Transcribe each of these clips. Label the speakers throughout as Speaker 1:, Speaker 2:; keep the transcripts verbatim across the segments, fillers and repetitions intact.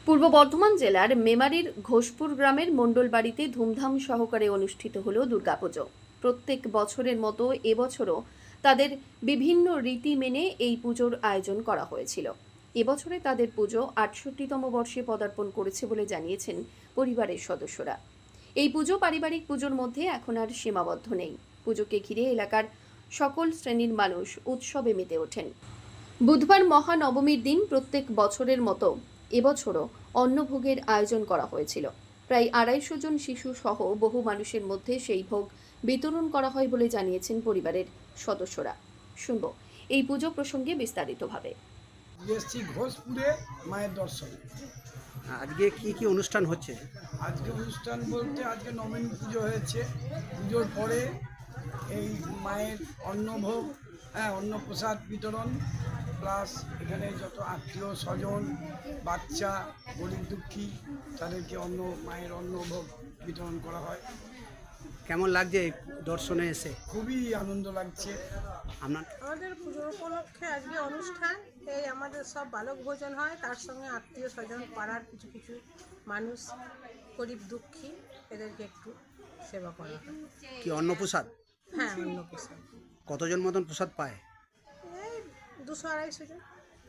Speaker 1: পূর্ব বর্ধমান জেলার মেমারির ঘোষপুর গ্রামের মণ্ডল বাড়িতে ধুমধাম সহকারে অনুষ্ঠিত হল দুর্গাপুজো। প্রত্যেক বছরের মতো এবছরও তাদের বিভিন্ন রীতি মেনে এই পুজোর আয়োজন করা হয়েছিল। এবছরে তাদের পুজো আটষট্টিতম বর্ষে পদার্পণ করেছে বলে জানিয়েছেন পরিবারের সদস্যরা। এই পুজো পারিবারিক পুজোর মধ্যে এখন আর সীমাবদ্ধ নেই। পুজোকে ঘিরে এলাকার সকল শ্রেণীর মানুষ উৎসবে মেতে ওঠেন। বুধবার মহানবমীর দিন প্রত্যেক বছরের মতো এবছরও অন্নভোগের আয়োজন করা হয়েছিল। প্রায় আড়াইশো জন শিশু সহ বহু মানুষের মধ্যে সেই ভোগ বিতরণ করা হয় বলে জানিয়েছেন পরিবারের সদস্যরা। শুনব এই পুজো প্রসঙ্গে বিস্তারিতভাবে।
Speaker 2: এসছি ঘোষপুরে মায়ের দর্শন।
Speaker 3: আজকে কি কি অনুষ্ঠান হচ্ছে?
Speaker 2: আজকে অনুষ্ঠান বলতে আজকে নবমী পুজো হয়েছে। পুজোর পরে এই মায়ের অন্নভোগ, হ্যাঁ অন্নপ্রসাদ বিতরণ, প্লাস এখানে যত আত্মীয় স্বজন, বাচ্চা, গরিব দুঃখী তাদেরকে অন্ন মায়ের অন্নভোগ বিতরণ করা হয়।
Speaker 3: কেমন লাগছে এই দর্শনে এসে?
Speaker 2: খুবই আনন্দ লাগছে।
Speaker 3: আপনার
Speaker 4: আমাদের পুজো উপলক্ষে আজকে অনুষ্ঠান, এই আমাদের সব বালক ভোজন হয়, তার সঙ্গে আত্মীয় স্বজন, পাড়ার কিছু কিছু মানুষ, গরিব দুঃখী, এদেরকে একটু সেবা করা হয়।
Speaker 3: কি অন্নপ্রসাদ?
Speaker 4: হ্যাঁ, অন্নপ্রসাদ।
Speaker 3: কতজন মতন প্রসাদ পায়?
Speaker 4: এই দুশো আড়াইশো জন।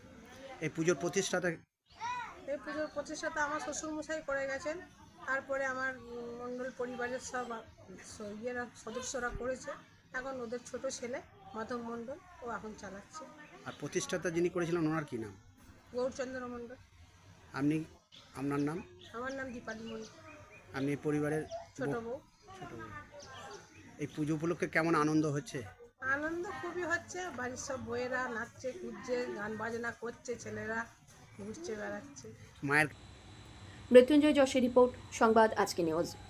Speaker 3: এই পুজোর প্রতিষ্ঠাতা
Speaker 4: এই পুজোর প্রতিষ্ঠাতা আমার শ্বশুরমশাই করে গেছেন, তারপরে আমার মণ্ডল পরিবারের সব ইয়েরা সদস্যরা করেছে। এখন ওদের ছোট ছেলে মাধব মণ্ডল ও এখন চালাচ্ছে।
Speaker 3: আর প্রতিষ্ঠাতা যিনি করেছিলেন ওনার কি নাম?
Speaker 4: গৌরচন্দ্র মণ্ডল।
Speaker 3: আপনি, আপনার নাম?
Speaker 4: আমার নাম দীপালি মণ্ডল,
Speaker 3: আপনি পরিবারের
Speaker 4: ছোট
Speaker 3: বউ?
Speaker 4: বউ।
Speaker 3: ছোট বউ। এই পুজো উপলক্ষে কেমন আনন্দ হচ্ছে?
Speaker 4: আনন্দ খুবই হচ্ছে, বাড়ির সব বউয়েরা নাচছে, কুদছে, গান বাজনা করছে, ছেলেরা ঘুরছে বেড়াচ্ছে।
Speaker 3: মায়ের
Speaker 1: মৃত্যুঞ্জয় যশের রিপোর্ট, সংবাদ আজকে নিউজ।